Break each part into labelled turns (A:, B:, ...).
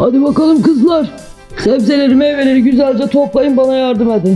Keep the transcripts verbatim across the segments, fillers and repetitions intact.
A: Hadi bakalım kızlar. Sebzeleri, meyveleri güzelce toplayın, bana yardım edin.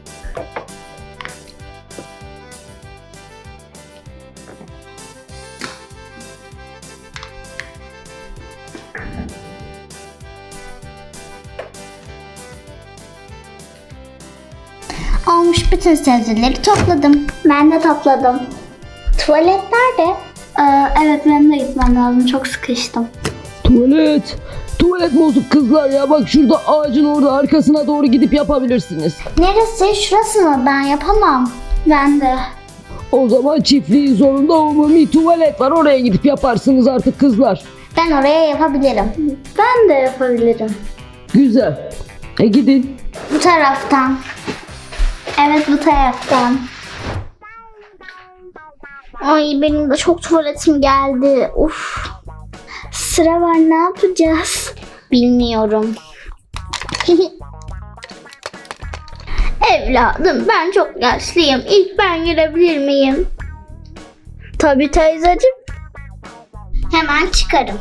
B: Olmuş, bütün sebzeleri topladım. Ben de topladım. Tuvalet nerede? Ee, evet, benim de gitmem lazım. Çok sıkıştım.
A: Tuvalet. Tuvalet bozuk kızlar ya. Bak şurada ağacın orada, arkasına doğru gidip yapabilirsiniz.
B: Neresi? Şurası mı? Ben yapamam. Ben de.
A: O zaman çiftliğin sonunda umumi tuvalet var. Oraya gidip yaparsınız artık kızlar.
B: Ben oraya yapabilirim. Ben de yapabilirim.
A: Güzel. E gidin.
B: Bu taraftan. Evet, bu taraftan. Ay, benim de çok tuvaletim geldi. Uf. Sıra var, ne yapacağız? Bilmiyorum. Evladım, ben çok yaşlıyım. İlk ben girebilir miyim? Tabii teyzeciğim. Hemen çıkarım.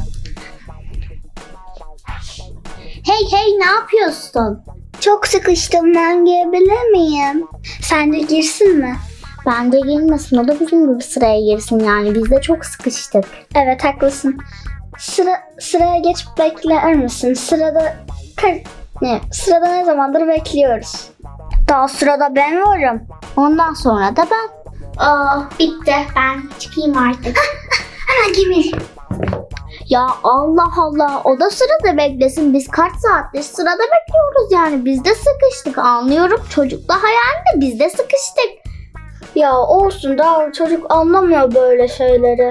B: Hey hey, ne yapıyorsun? Çok sıkıştım, ben girebilir miyim? Sence girsin mi? Bence girmesin, o da bizim gibi sıraya girsin, yani biz de çok sıkıştık. Evet, haklısın. Sıra, sıraya geçip bekler misin? Sırada ne? Sırada ne zamandır bekliyoruz? Daha sırada ben varım. Ondan sonra da ben. Aa, bitti, ben çıkayım artık. Hemen gir. Ya Allah Allah, o da sırada beklesin. Biz kaç saattir sırada bekliyoruz, yani biz de sıkıştık. Anlıyorum, çocuk daha yani, biz de sıkıştık. Ya olsun, daha çocuk anlamıyor böyle şeyleri.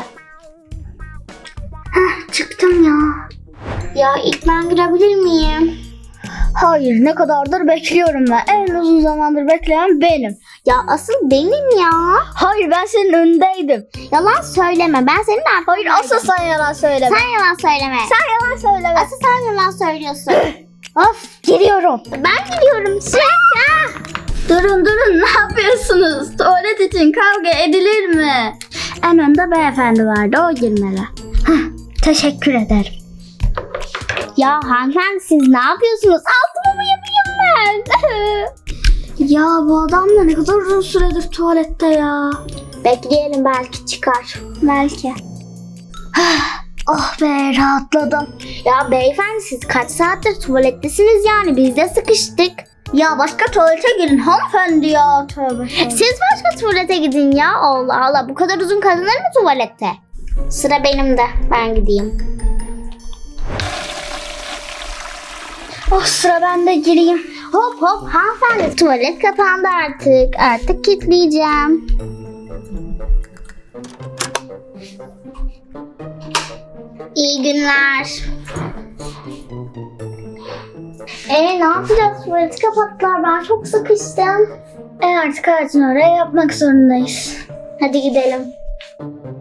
B: Heh, çıktım ya. Ya ilk ben girebilir miyim? Hayır, ne kadardır bekliyorum ben. En uzun zamandır bekleyen benim. Ya asıl benim ya. Hayır, ben senin önündeydim. Yalan söyleme, ben senin arkandaydım. Hayır, asıl sen yalan söyleme. Sen yalan söyleme. Sen yalan söyleme. Asıl sen yalan söylüyorsun. Of, giriyorum. Ben giriyorum. Çık. Durun durun, ne yapıyorsunuz? Tuvalet için kavga edilir mi? En önde beyefendi vardı, o girmeli. Heh, teşekkür ederim. Ya hanımefendi, siz ne yapıyorsunuz? Altımı mı yapayım ben? Ya bu adam da ne kadar uzun süredir tuvalette ya. Bekleyelim, belki çıkar. Belki. Oh be, rahatladım. Ya beyefendi, siz kaç saattir tuvalettesiniz, yani biz de sıkıştık. Ya başka tuvalete girin hanımefendi ya. Tövbe tövbe. Siz başka tuvalete gidin ya. Allah Allah, bu kadar uzun kalınır mı tuvalette? Sıra benim de, ben gideyim. Oh, sıra bende, gireyim. Hop hop hanımefendi, tuvalet kapandı artık. Artık kilitleyeceğim. İyi günler. Ee, ne yapacağız? Tuvaleti kapattılar. Ben çok sıkıştım. E artık ağacın oraya yapmak zorundayız. Hadi gidelim.